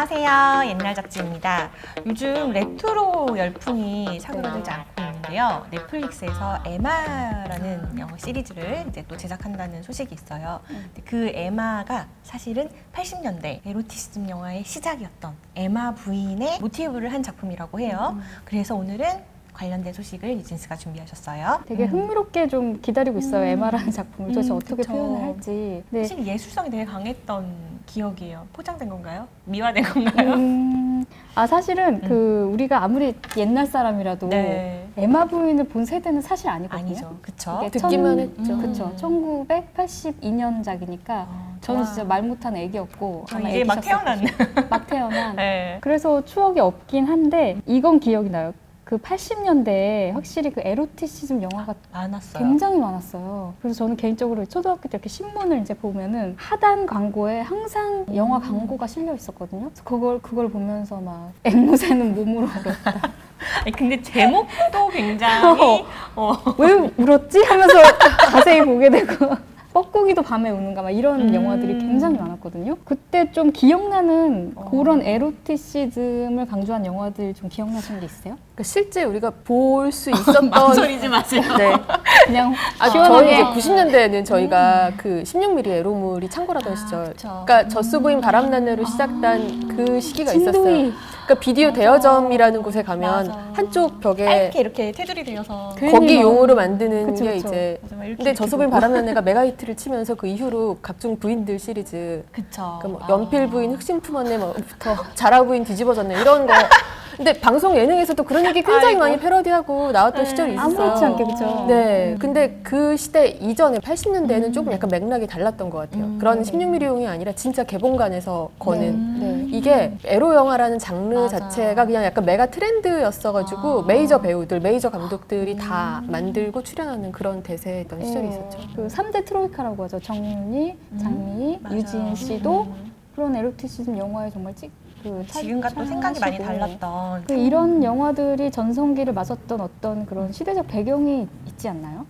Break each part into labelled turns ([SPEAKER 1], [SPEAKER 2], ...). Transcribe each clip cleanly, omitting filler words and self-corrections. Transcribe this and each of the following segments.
[SPEAKER 1] 안녕하세요. 옛날 잡지입니다. 요즘 레트로 열풍이 사그라들지 않고 있는데요. 넷플릭스에서 에마라는 영화 시리즈를 이제 또 제작한다는 소식이 있어요. 근데 그 에마가 사실은 80년대 에로티시즘 영화의 시작이었던 에마 부인의 모티브를 한 작품이라고 해요. 그래서 오늘은 관련된 소식을 유진스가 준비하셨어요.
[SPEAKER 2] 되게 흥미롭게 좀 기다리고 있어요. 에마라는 작품을 도대체 어떻게
[SPEAKER 1] 그쵸.
[SPEAKER 2] 표현을 할지. 네.
[SPEAKER 1] 사실 예술성이 되게 강했던 기억이에요. 포장된 건가요? 미화된 건가요?
[SPEAKER 2] 사실은 우리가 아무리 옛날 사람이라도
[SPEAKER 1] 네.
[SPEAKER 2] 에마 부인을 본 세대는 사실 아니거든요.
[SPEAKER 1] 아니죠. 그쵸?
[SPEAKER 2] 이게
[SPEAKER 3] 듣기만 했죠.
[SPEAKER 2] 그쵸. 1982년작이니까 저는
[SPEAKER 1] 와.
[SPEAKER 2] 진짜 말 못한 애기였고 아마
[SPEAKER 1] 이제 막
[SPEAKER 2] 애기셨을
[SPEAKER 1] 태어났네.
[SPEAKER 2] 것이고. 막 태어난.
[SPEAKER 1] 네.
[SPEAKER 2] 그래서 추억이 없긴 한데 이건 기억이 나요. 그 80년대에 확실히 그 에로티시즘 영화가
[SPEAKER 1] 많았어요.
[SPEAKER 2] 굉장히 많았어요. 그래서 저는 개인적으로 초등학교 때 이렇게 신문을 이제 보면은 하단 광고에 항상 영화 광고가 실려 있었거든요. 그래서 그걸 보면서 막 앵무새는 몸으로 울었다.
[SPEAKER 1] 아니, 근데 제목도 굉장히
[SPEAKER 2] 왜 울었지? 하면서 자세히 보게 되고. 뻐꾸기도 밤에 우는가 막 이런 영화들이 굉장히 많았거든요. 그때 좀 기억나는 그런 에로티시즘을 강조한 영화들 좀 기억나시는 게 있어요?
[SPEAKER 3] 그러니까 실제 우리가 볼 수 있었던
[SPEAKER 1] 망설이지 마세요.
[SPEAKER 3] 네.
[SPEAKER 2] 그냥
[SPEAKER 3] 저희
[SPEAKER 2] 시원하게
[SPEAKER 3] 이제 90년대에는 저희가 그 16mm 에로물이 창궐하던 시절.
[SPEAKER 1] 그쵸.
[SPEAKER 3] 그러니까 젖소부인 바람난내로 시작된 그 시기가 있었어요.
[SPEAKER 2] 진도이.
[SPEAKER 3] 그러니까 비디오 대여점이라는 곳에 가면
[SPEAKER 1] 맞아.
[SPEAKER 3] 한쪽 벽에
[SPEAKER 1] 짧게 이렇게 테두리 되어서
[SPEAKER 2] 괜히
[SPEAKER 3] 거기
[SPEAKER 2] 막-
[SPEAKER 3] 용으로 만드는
[SPEAKER 2] 그쵸,
[SPEAKER 3] 게
[SPEAKER 2] 그쵸.
[SPEAKER 3] 이제
[SPEAKER 1] 맞아, 막 이렇게
[SPEAKER 3] 근데
[SPEAKER 1] 이렇게
[SPEAKER 3] 젖소부인
[SPEAKER 1] 보고.
[SPEAKER 3] 바람난내가 메가히트를 치면서 그 이후로 각종 부인들 시리즈
[SPEAKER 1] 그쵸.
[SPEAKER 3] 그러니까 뭐 연필 부인 흑심 품었네부터 자라 부인 뒤집어졌네 이런 거. 근데 방송 예능에서도 그런 얘기 굉장히
[SPEAKER 1] 아이고.
[SPEAKER 3] 많이 패러디하고 나왔던 시절이 있었어요.
[SPEAKER 2] 아무렇지 않게 그죠?
[SPEAKER 3] 네, 근데 그 시대 이전에 80년대에는 조금 약간 맥락이 달랐던 것 같아요. 그런 16mm용이 아니라 진짜 개봉관에서 거는
[SPEAKER 2] 네.
[SPEAKER 3] 이게 에로 영화라는 장르
[SPEAKER 1] 맞아.
[SPEAKER 3] 자체가 그냥 약간 메가 트렌드였어가지고 메이저 배우들, 메이저 감독들이 다 만들고 출연하는 그런 대세였던 시절이 있었죠.
[SPEAKER 2] 그 3대 트로이카라고 하죠. 정윤이, 장미희,
[SPEAKER 1] 맞아요.
[SPEAKER 2] 유진 씨도 그런 에로티시즘 영화에 정말
[SPEAKER 1] 지금과 또 생각이 많이 달랐던
[SPEAKER 2] 이런 영화들이 전성기를 맞았던 어떤 그런 시대적 배경이 있지 않나요?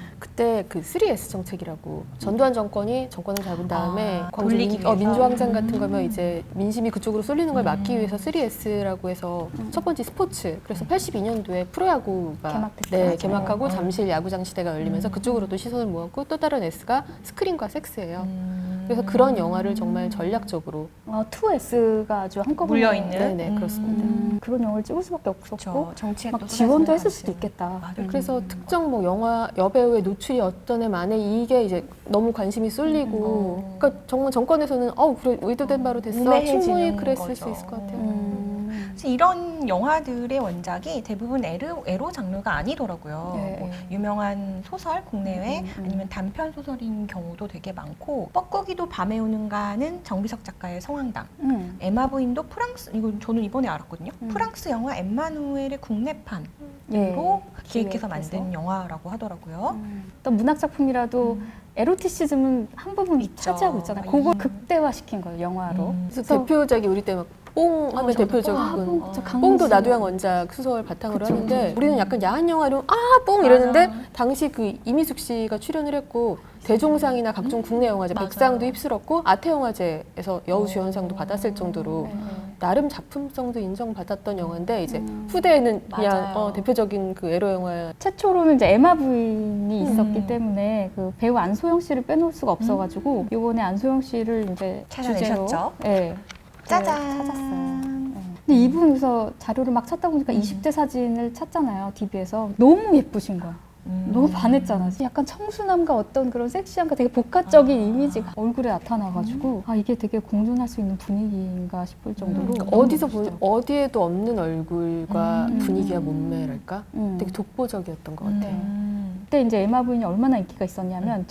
[SPEAKER 3] 그때 그 3S 정책이라고 전두환 정권이 정권을 잡은 다음에 광주
[SPEAKER 1] 돌리기 위해서.
[SPEAKER 3] 민주항쟁 같은 거면 이제 민심이 그쪽으로 쏠리는 걸 막기 위해서 3S라고 해서 첫 번째 스포츠 그래서 82년도에 프로야구가
[SPEAKER 2] 개막됐죠.
[SPEAKER 3] 개막하고 잠실 야구장 시대가 열리면서 그쪽으로 또 시선을 모았고 또 다른 S가 스크린과 섹스예요. 그래서 그런 영화를 정말 전략적으로
[SPEAKER 2] 2S가 아주 한꺼번에
[SPEAKER 1] 물려있는
[SPEAKER 3] 네네 그렇습니다.
[SPEAKER 2] 그런 영화를 찍을 수밖에 없었고
[SPEAKER 1] 그쵸. 정치에
[SPEAKER 2] 막
[SPEAKER 1] 또
[SPEAKER 2] 지원도
[SPEAKER 1] 쏟아지는
[SPEAKER 2] 했을 수도
[SPEAKER 1] 당시에는.
[SPEAKER 2] 있겠다.
[SPEAKER 1] 맞아요.
[SPEAKER 3] 그래서 특정 뭐 영화 여배우의 노출이 어떤 애 만에 이게 이제 너무 관심이 쏠리고 그러니까 정말 정권에서는 그래 의도된 바로 됐어
[SPEAKER 1] 우매해지는
[SPEAKER 3] 충분히 그랬을
[SPEAKER 1] 거죠.
[SPEAKER 3] 수 있을 것 같아요.
[SPEAKER 1] 그래서 이런 영화들의 원작이 대부분 에로 장르가 아니더라고요.
[SPEAKER 2] 네.
[SPEAKER 1] 뭐 유명한 소설 국내외 아니면 단편 소설인 경우도 되게 많고 뻐꾸기도 밤에 오는가는 정비석 작가의 성황당 에마 부인도 프랑스 이건 저는 이번에 알았거든요. 프랑스 영화 엠마누엘의 국내판으로
[SPEAKER 2] 예,
[SPEAKER 1] 기획해서 만든
[SPEAKER 2] 기획해서.
[SPEAKER 1] 영화라고 하더라고요.
[SPEAKER 2] 어떤 문학 작품이라도 에로티시즘은 한 부분
[SPEAKER 1] 있죠.
[SPEAKER 2] 차지하고 있잖아요. 그걸 극대화시킨 거예요, 영화로.
[SPEAKER 3] 그래서 대표작이 우리 때 막 뽕 하면
[SPEAKER 1] 저도
[SPEAKER 3] 대표적인
[SPEAKER 2] 뽕, 진짜 강수.
[SPEAKER 3] 뽕도 나도양 원작 소설 바탕으로
[SPEAKER 2] 그쵸,
[SPEAKER 3] 하는데
[SPEAKER 2] 그쵸.
[SPEAKER 3] 우리는 약간 야한 영화로 뽕 이랬는데 당시 그 이미숙 씨가 출연을 했고 대종상이나 각종 국내 영화제
[SPEAKER 1] 맞아요.
[SPEAKER 3] 백상도 휩쓸었고 아태영화제에서 여우주연상도 받았을 정도로 나름 작품성도 인정받았던 영화인데 이제 후대에는 그냥
[SPEAKER 1] 맞아요.
[SPEAKER 3] 대표적인 그 에로 영화
[SPEAKER 2] 최초로는 이제 에마 부인이 있었기 때문에 그 배우 안소영 씨를 빼놓을 수가 없어가지고 이번에 안소영 씨를 이제
[SPEAKER 1] 찾아내셨죠?
[SPEAKER 2] 주제로 예,
[SPEAKER 1] 짜잔.
[SPEAKER 2] 찾았어요. 근데 이분에서 자료를 막 찾다 보니까 20대 사진을 찾잖아요, DB에서. 너무 예쁘신 거야. 너무 반했잖아. 약간 청순함과 어떤 그런 섹시함과 되게 복합적인 이미지가 얼굴에 나타나가지고 이게 되게 공존할 수 있는 분위기인가 싶을 정도로
[SPEAKER 3] 어디서 어디에도 없는 얼굴과 분위기와 몸매랄까
[SPEAKER 2] 음.
[SPEAKER 3] 되게 독보적이었던 것 같아요.
[SPEAKER 2] 그때 이제 에마 부인이 얼마나 인기가 있었냐면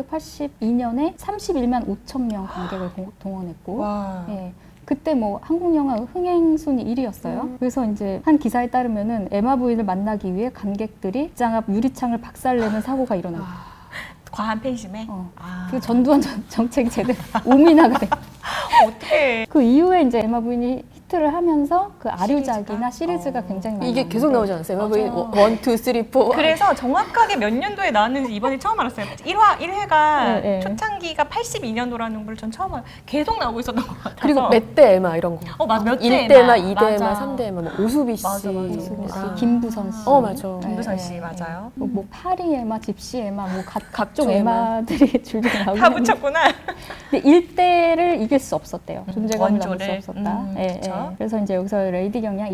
[SPEAKER 2] 1982년에 31만 5천 명 관객을 동원했고
[SPEAKER 1] 와.
[SPEAKER 2] 예. 그때 뭐 한국 영화 흥행 순위 1위였어요. 그래서 이제 한 기사에 따르면은 에마 부인을 만나기 위해 관객들이 극장 앞 유리창을 박살내는 사고가 일어난 거예요.
[SPEAKER 1] 과한 팬심에.
[SPEAKER 2] 그 전두환 정책이 제대로 오미나가 돼.
[SPEAKER 1] 어떻게?
[SPEAKER 2] 그 이후에 이제 에마 부인이 히트를 하면서 그 아류작이나
[SPEAKER 1] 시리즈가?
[SPEAKER 2] 시리즈가 굉장히 많이
[SPEAKER 3] 이게 계속 나오지 않았어요?
[SPEAKER 1] 맞아요.
[SPEAKER 3] MV 1, 2, 3, 4.
[SPEAKER 1] 그래서 정확하게 몇 년도에 나왔는지 이번에 처음 알았어요. 1회가
[SPEAKER 2] 네, 네.
[SPEAKER 1] 초창기가 82년도라는 걸 전 처음 알아요. 계속 나오고 있었던 것 같아서.
[SPEAKER 3] 그리고 몇 대 에마 이런 거.
[SPEAKER 1] 맞아. 몇
[SPEAKER 3] 1대
[SPEAKER 1] 대
[SPEAKER 3] 에마,
[SPEAKER 1] 에마.
[SPEAKER 3] 2대 에마,
[SPEAKER 1] 맞아.
[SPEAKER 3] 3대 에마, 뭐 오수비 씨.
[SPEAKER 1] 맞아, 맞아.
[SPEAKER 2] 이수빈 씨,
[SPEAKER 1] 아.
[SPEAKER 2] 김부선 씨.
[SPEAKER 3] 맞아.
[SPEAKER 1] 김부선 씨, 맞아요.
[SPEAKER 2] 뭐 파리 에마, 집시 에마, 뭐 각종
[SPEAKER 3] 각종
[SPEAKER 2] 에마들이 줄줄이 나오고
[SPEAKER 1] 다
[SPEAKER 2] 있는데
[SPEAKER 1] 붙였구나.
[SPEAKER 2] 근데 일대를 이길 수 없었대요. 존재감을 넘을 수
[SPEAKER 1] 원조를.
[SPEAKER 2] 없었다.
[SPEAKER 1] 그쵸.
[SPEAKER 2] 그래서 이제 여기서 레이디 경량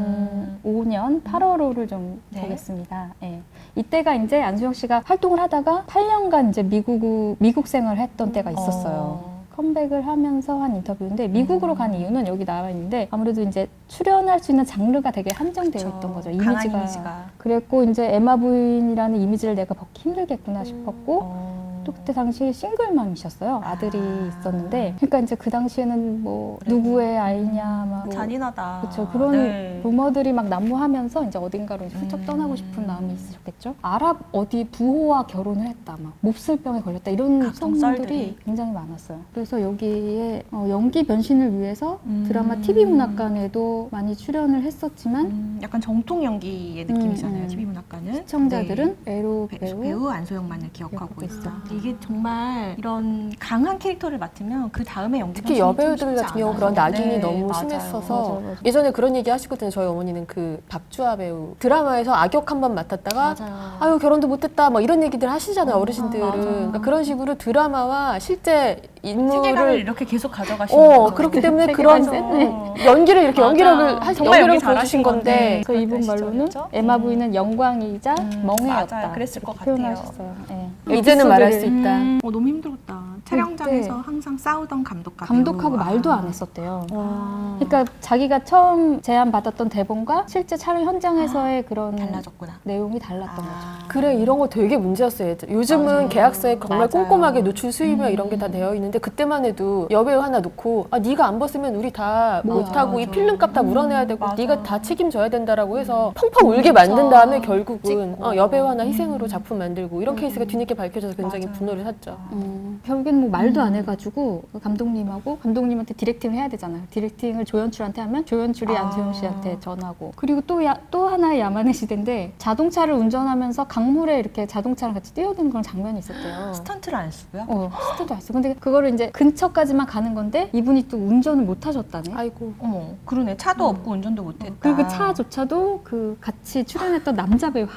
[SPEAKER 2] 2005년 8월호를 좀
[SPEAKER 1] 네.
[SPEAKER 2] 보겠습니다. 예. 이때가 이제 안수영 씨가 활동을 하다가 8년간 이제 미국 생활을 했던 때가 있었어요. 컴백을 하면서 한 인터뷰인데 미국으로 간 이유는 여기 나와 있는데 아무래도 이제 출연할 수 있는 장르가 되게 한정되어
[SPEAKER 1] 그쵸.
[SPEAKER 2] 있던 거죠.
[SPEAKER 1] 강한 이미지가.
[SPEAKER 2] 그랬고 이제 에마 부인이라는 이미지를 내가 벗기 힘들겠구나 싶었고 또 그때 당시 싱글맘이셨어요. 아들이 있었는데 그러니까 이제 그 당시에는 뭐
[SPEAKER 1] 그래도.
[SPEAKER 2] 누구의 아이냐 막 뭐
[SPEAKER 1] 잔인하다.
[SPEAKER 2] 그렇죠. 그런
[SPEAKER 1] 네.
[SPEAKER 2] 루머들이 막 난무하면서 이제 어딘가로 이제 훌쩍 떠나고 싶은 마음이 있으셨겠죠. 아랍 어디 부호와 결혼을 했다, 막 몹쓸병에 걸렸다 이런
[SPEAKER 1] 각종
[SPEAKER 2] 소문들이
[SPEAKER 1] 썰들이.
[SPEAKER 2] 굉장히 많았어요. 그래서 여기에 연기 변신을 위해서 드라마
[SPEAKER 1] 음.
[SPEAKER 2] TV 문학관에도 많이 출연을 했었지만
[SPEAKER 1] 약간 정통 연기의 느낌이잖아요.
[SPEAKER 2] 음.
[SPEAKER 1] TV 문학관은.
[SPEAKER 2] 시청자들은 애로
[SPEAKER 1] 네.
[SPEAKER 2] 배우
[SPEAKER 1] 안소영만을 기억하고
[SPEAKER 2] 기억하고
[SPEAKER 1] 있어.
[SPEAKER 2] 있어.
[SPEAKER 1] 이게 정말 이런 강한 캐릭터를 맡으면 그 다음에 연기
[SPEAKER 3] 특히
[SPEAKER 1] 변신이 좀
[SPEAKER 3] 여배우들
[SPEAKER 1] 쉽지
[SPEAKER 3] 같은 경우
[SPEAKER 1] 않아요.
[SPEAKER 3] 그런 낙인이
[SPEAKER 1] 네,
[SPEAKER 3] 너무
[SPEAKER 1] 맞아요.
[SPEAKER 3] 심했어서
[SPEAKER 2] 맞아.
[SPEAKER 3] 예전에 그런 얘기 하시거든요. 저희 어머니는 그 박주아 배우 드라마에서 악역 한 번 맡았다가
[SPEAKER 1] 맞아요.
[SPEAKER 3] 아유 결혼도 못했다 뭐 이런 얘기들 하시잖아요. 어르신들은.
[SPEAKER 1] 맞아.
[SPEAKER 3] 그러니까 그런 식으로 드라마와 실제
[SPEAKER 1] 세계관을
[SPEAKER 3] 인물을
[SPEAKER 1] 이렇게 계속 가져가시는 거죠.
[SPEAKER 3] 그렇기 때문에
[SPEAKER 2] 세계관
[SPEAKER 3] 그런
[SPEAKER 2] 셌네.
[SPEAKER 3] 연기를 이렇게
[SPEAKER 1] 맞아.
[SPEAKER 3] 연기력을
[SPEAKER 1] 정말 연기
[SPEAKER 3] 연기력을 보여주신
[SPEAKER 1] 잘하신
[SPEAKER 3] 건데
[SPEAKER 2] 그래서 이분
[SPEAKER 1] 그랬던
[SPEAKER 2] 말로는
[SPEAKER 1] 시절이었죠?
[SPEAKER 2] 에마 부인은 영광이자 멍해였다.
[SPEAKER 1] 맞아요. 그랬을 것
[SPEAKER 2] 이렇게
[SPEAKER 1] 같아요.
[SPEAKER 2] 표현하셨어요. 예.
[SPEAKER 3] 이제는 말할 수
[SPEAKER 2] 에피소드를
[SPEAKER 3] 있다.
[SPEAKER 1] 너무 힘들었다. 촬영장에서
[SPEAKER 2] 그때
[SPEAKER 1] 항상 싸우던 감독과
[SPEAKER 2] 감독하고
[SPEAKER 1] 배우.
[SPEAKER 2] 말도 안 했었대요. 그러니까 자기가 처음 제안 받았던 대본과 실제 촬영 현장에서의 그런
[SPEAKER 1] 달라졌구나.
[SPEAKER 2] 내용이 달랐던 거죠.
[SPEAKER 3] 그래 이런 거 되게 문제였어요. 요즘은
[SPEAKER 1] 맞아요.
[SPEAKER 3] 계약서에 정말
[SPEAKER 1] 맞아요.
[SPEAKER 3] 꼼꼼하게 노출 수입이나 이런 게 다 되어 있는데 그때만 해도 여배우 하나 놓고 네가 안 벗으면 우리 다 못하고 이
[SPEAKER 1] 맞아.
[SPEAKER 3] 필름값 다 물어내야 되고
[SPEAKER 1] 맞아.
[SPEAKER 3] 네가 다 책임져야 된다라고 해서 펑펑 울게 만든 다음에 결국은
[SPEAKER 1] 찍고.
[SPEAKER 3] 여배우 하나 희생으로 작품 만들고 이런 케이스가 뒤늦게 밝혀져서 굉장히
[SPEAKER 1] 맞아요.
[SPEAKER 3] 분노를 샀죠.
[SPEAKER 2] 결국엔 뭐 말도 안 해가지고 감독님하고 감독님한테 디렉팅을 해야 되잖아요. 디렉팅을 조연출한테 하면 조연출이 안소영 씨한테 전하고 그리고 또 하나의 야만의 시대인데 자동차를 운전하면서 강물에 이렇게 자동차랑 같이 뛰어드는 그런 장면이 있었대요.
[SPEAKER 1] 스턴트를 안 쓰고요.
[SPEAKER 2] 스타도 했어. 근데 그거를 이제 근처까지만 가는 건데 이분이 또 운전을 못 하셨다네.
[SPEAKER 3] 아이고.
[SPEAKER 1] 어머, 그러네. 차도 없고 운전도 못했다.
[SPEAKER 2] 그리고 차조차도 그 같이 출연했던 남자 배우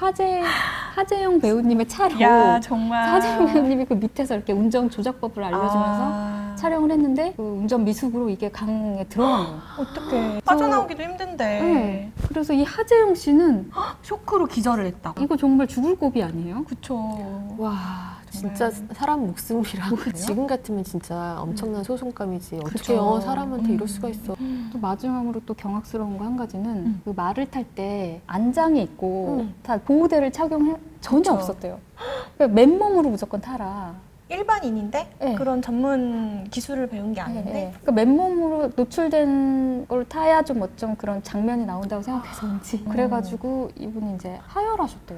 [SPEAKER 2] 하재영 배우님의 차로
[SPEAKER 1] 야, 정말.
[SPEAKER 2] 하재영 배우님이 그 밑에서 이렇게 운전 조작법을 알려주면서 촬영을 했는데 그 운전 미숙으로 이게 강에 들어간 거예요.
[SPEAKER 1] 어떡해. 빠져나오기도 힘든데.
[SPEAKER 2] 네. 그래서 이 하재영 씨는
[SPEAKER 1] 쇼크로 기절을 했다.
[SPEAKER 2] 이거 정말 죽을 고비 아니에요?
[SPEAKER 1] 그쵸.
[SPEAKER 3] 와 진짜 사람 목숨이랑 지금 같으면 진짜 엄청난 소송감이지. 어떻게
[SPEAKER 1] 그쵸.
[SPEAKER 3] 사람한테 이럴 수가 있어.
[SPEAKER 2] 또 마지막으로 또 경악스러운 거 한 가지는 그 말을 탈 때 안장이 있고 다 보호대를 착용해 전혀
[SPEAKER 1] 그쵸.
[SPEAKER 2] 없었대요. 그러니까 맨몸으로 무조건 타라.
[SPEAKER 1] 일반인인데
[SPEAKER 2] 네.
[SPEAKER 1] 그런 전문 기술을 배운 게 아닌데
[SPEAKER 2] 네. 그러니까 맨몸으로 노출된 걸 타야 좀 어쩜 그런 장면이 나온다고 생각해서인지 그래가지고 이분이 이제 하혈하셨대요.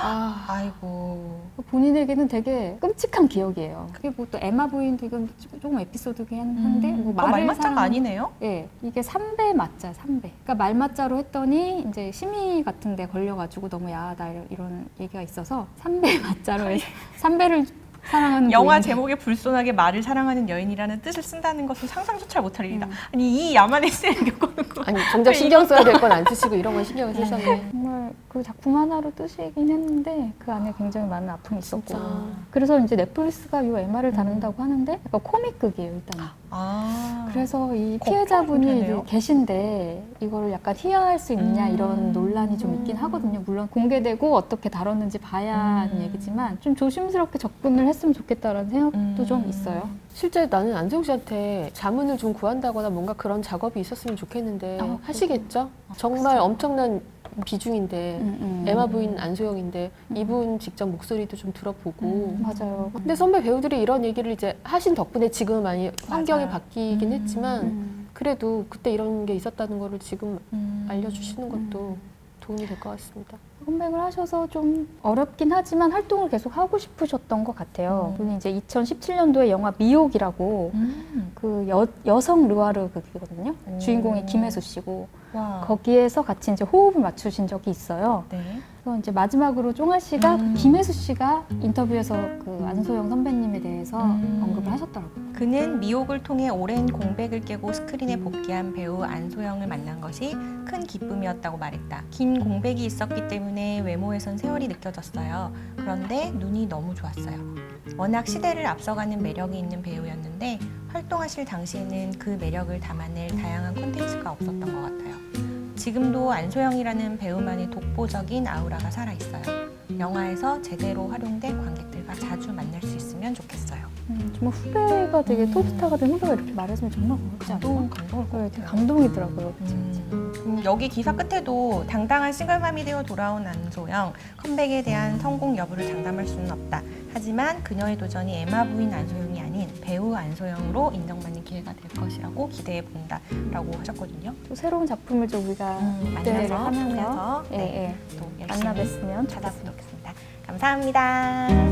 [SPEAKER 1] 아이고.
[SPEAKER 2] 본인에게는 되게 끔찍한 기억이에요. 그게 뭐 또 에마 부인도 이건 조금 에피소드긴 한데 뭐
[SPEAKER 1] 말맞자가 아니네요.
[SPEAKER 2] 예, 이게 3배 맞자, 3배. 그러니까 말맞자로 했더니 이제 심의 같은 데 걸려가지고 너무 야하다 이런 얘기가 있어서 3배 맞자로 해서 3배를 사랑하는
[SPEAKER 1] 영화
[SPEAKER 2] 부인.
[SPEAKER 1] 제목에 불손하게 말을 사랑하는 여인이라는 뜻을 쓴다는 것은 상상조차 못할 일이다. 아니 이 야만의 쓰레기 겪어놓은 거.
[SPEAKER 3] 아니 정작 신경 써야 될 건 안 쓰시고 이런 건 신경을 쓰셨네.
[SPEAKER 2] 정말 그 작품 하나로 뜨시긴 했는데 그 안에 굉장히 많은 아픔이 있었고
[SPEAKER 3] 진짜.
[SPEAKER 2] 그래서 이제 넷플릭스가 이 에마를 다룬다고 하는데 약간 코믹극이에요 일단. 그래서 이 피해자분이
[SPEAKER 1] 되네요.
[SPEAKER 2] 이제 계신데 이거를 약간 희화할 수 있냐 이런 논란이 좀 있긴 하거든요. 물론 공개되고 어떻게 다뤘는지 봐야 하는 얘기지만 좀 조심스럽게 접근을 했으면 좋겠다라는 생각도 좀 있어요.
[SPEAKER 3] 실제 나는 안세웅 씨한테 자문을 좀 구한다거나 뭔가 그런 작업이 있었으면 좋겠는데 하시겠죠? 정말 엄청난 비중인데 에마 부인 안소영인데 이분 직접 목소리도 좀 들어보고
[SPEAKER 2] 맞아요.
[SPEAKER 3] 근데 선배 배우들이 이런 얘기를 이제 하신 덕분에 지금 많이 환경이
[SPEAKER 1] 맞아요.
[SPEAKER 3] 바뀌긴 했지만 그래도 그때 이런 게 있었다는 거를 지금 알려주시는 것도 도움이 될 것 같습니다.
[SPEAKER 2] 컴백을 하셔서 좀 어렵긴 하지만 활동을 계속 하고 싶으셨던 것 같아요. 분이 이제 2017년도에 영화 미혹이라고 그 여성 르와르 극이거든요. 주인공이 김혜수 씨고
[SPEAKER 1] 와.
[SPEAKER 2] 거기에서 같이 이제 호흡을 맞추신 적이 있어요.
[SPEAKER 1] 네.
[SPEAKER 2] 그래서 이제 마지막으로 쫑아 씨가 김혜수 씨가 인터뷰에서 그 안소영 선배님에 대해서 언급을 하셨더라고요.
[SPEAKER 1] 그는 미혹을 통해 오랜 공백을 깨고 스크린에 복귀한 배우 안소영을 만난 것이 큰 기쁨이었다고 말했다. 긴 공백이 있었기 때문에 외모에선 세월이 느껴졌어요. 그런데 눈이 너무 좋았어요. 워낙 시대를 앞서가는 매력이 있는 배우였는데 활동하실 당시에는 그 매력을 담아낼 다양한 콘텐츠가 없었던 것 같아요. 지금도 안소영이라는 배우만의 독보적인 아우라가 살아있어요. 영화에서 제대로 활용된 관객들과 자주 만날 수 있으면 좋겠어요.
[SPEAKER 2] 정말 후배가 되게 톱스타가 된 후배가 이렇게 말해주면 정말 고맙지 않아요?
[SPEAKER 1] 감동을
[SPEAKER 2] 네, 되게 감동이더라고요.
[SPEAKER 1] 여기 기사 끝에도 당당한 싱글맘이 되어 돌아온 안소영, 컴백에 대한 성공 여부를 장담할 수는 없다. 하지만 그녀의 도전이 에마 부인 안소영이 아닌 배우 안소영으로 인정받는 기회가 될 것이라고 기대해 본다라고 하셨거든요.
[SPEAKER 2] 또 새로운 작품을 좀 우리가 기대를 하면서
[SPEAKER 1] 통해서
[SPEAKER 2] 예, 예.
[SPEAKER 1] 또
[SPEAKER 2] 만나
[SPEAKER 1] 열심히
[SPEAKER 2] 뵀으면
[SPEAKER 1] 찾아보도록
[SPEAKER 2] 좋겠습니다.
[SPEAKER 1] 하겠습니다. 감사합니다.